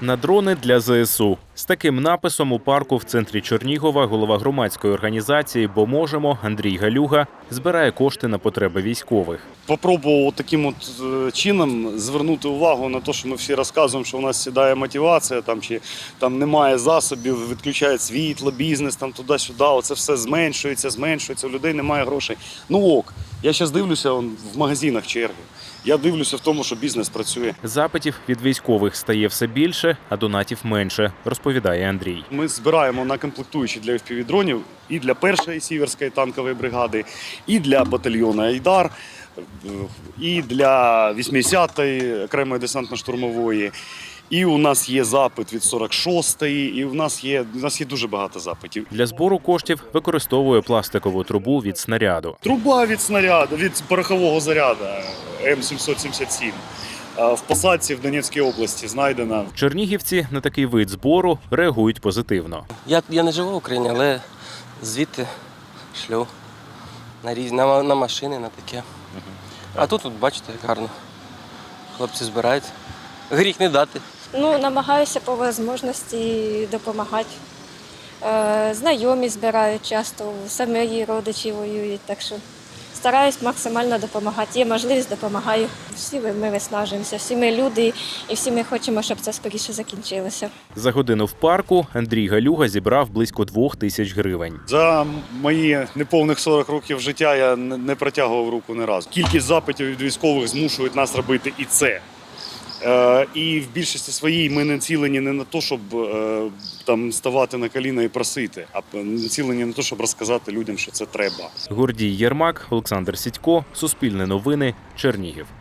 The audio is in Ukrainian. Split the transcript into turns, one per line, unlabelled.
На дрони для ЗСУ. З таким написом у парку в центрі Чернігова голова громадської організації «Бо можемо» Андрій Галюга збирає кошти на потреби військових.
Попробував таким чином звернути увагу на те, що ми всі розказуємо, що у нас сідає мотивація, чи немає засобів, відключають світло, бізнес, туди-сюди, оце все зменшується, у людей немає грошей. Ну ок, я зараз дивлюся в магазинах черги. Я дивлюся в тому, що бізнес працює.
Запитів від військових стає все більше, а донатів менше, розповідає Андрій.
Ми збираємо на комплектуючі для FPV-дронів і для першої Сіверської танкової бригади, і для батальйону «Айдар», і для 80-ї окремої десантно-штурмової. І у нас є запит від 46-ї, і у нас є дуже багато запитів.
Для збору коштів використовує пластикову трубу від снаряду.
Труба від снаряду, від порохового заряду М777. В посадці в Донецькій області знайдена.
Чернігівці на такий вид збору реагують позитивно.
Я не живу в Україні, але звідти шлю на машини, на таке. А тут, бачите, як гарно. Хлопці збирають. Гріх не дати.
Намагаюся по можливості допомагати. Знайомі збирають часто, самі родичі воюють, так що стараюсь максимально допомагати. Є можливість, допомагаю. Всі ми виснажуємося, всі ми люди і всі ми хочемо, щоб це скоріше закінчилося.
За годину в парку Андрій Галюга зібрав близько 2000 гривень.
За мої неповних 40 років життя я не протягував руку ні разу. Кількість запитів від військових змушують нас робити і це. І в більшості своїй ми націлені не на те, щоб ставати на коліна і просити, а націлені на те, щоб розказати людям, що це треба.
Гордій Єрмак, Олександр Сідько, Суспільне новини, Чернігів.